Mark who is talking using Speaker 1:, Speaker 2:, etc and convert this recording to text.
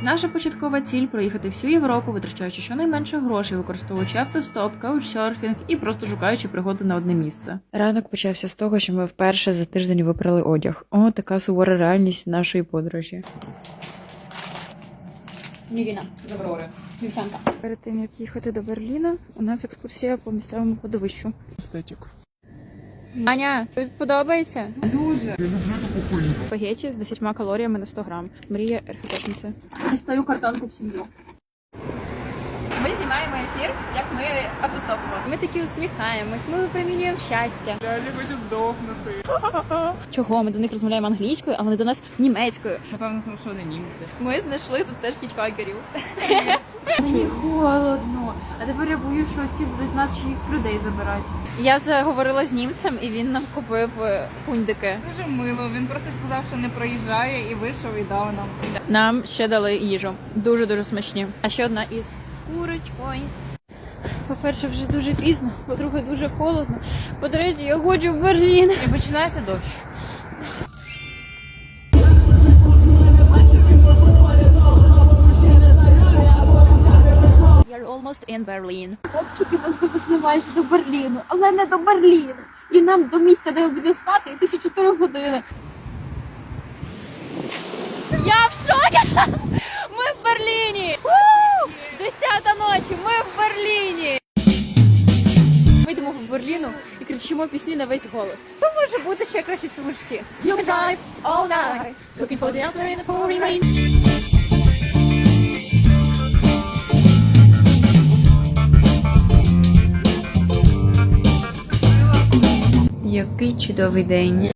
Speaker 1: Наша початкова ціль – проїхати всю Європу, витрачаючи щонайменше грошей, використовуючи автостоп, каучсерфінг і просто шукаючи пригоди на одне місце. Ранок почався з того, що ми вперше за тиждень випрали одяг. О, така сувора реальність нашої подорожі. Мівіна з Аврори. Вівсянка. Перед тим, як їхати до Берліна, у нас екскурсія по місцевому кладовищу.
Speaker 2: Естетик.
Speaker 1: Аня, тобі подобається?
Speaker 2: Дуже.
Speaker 1: Спагеті з 10 калоріями на 100 грам. Мрія РХТшниці. Дістаю картонку в сім'ю. Ми знімаємо ефір, як ми автостопимо. Ми такі усміхаємось, ми випромінюємо щастя.
Speaker 2: Я не хочу здохнути.
Speaker 1: Чого? Ми до них розмовляємо англійською, а вони до нас німецькою.
Speaker 2: Напевно, тому що вони німці.
Speaker 1: Ми знайшли тут теж хічхакерів. Мені холодно. А тепер я боюсь, що ці будуть наших людей забирати. Я заговорила з німцем, і він нам купив пундики.
Speaker 3: Дуже мило. Він просто сказав, що не проїжджає, і вийшов і дав нам.
Speaker 1: Нам ще дали їжу. Дуже-дуже смачні. А ще одна із курочкою. По-перше, вже дуже пізно, по-друге, дуже холодно. По-третє, я хочу в Берлін. І починається дощ. You're almost in Berlin. Хлопчики нас довезли майже до Берліну, але не до Берліну. І нам до місця, де ми будемо спати, йти ще 4 години. Я в шокі! Ми в Берліні! 10-та ночі, ми в Берліні! Ми йдемо в Берліну і кричимо пісні на весь голос. Що може бути ще краще в цьому житті? You can drive all night, looking for the answer in the pouring rain. Який чудовий день.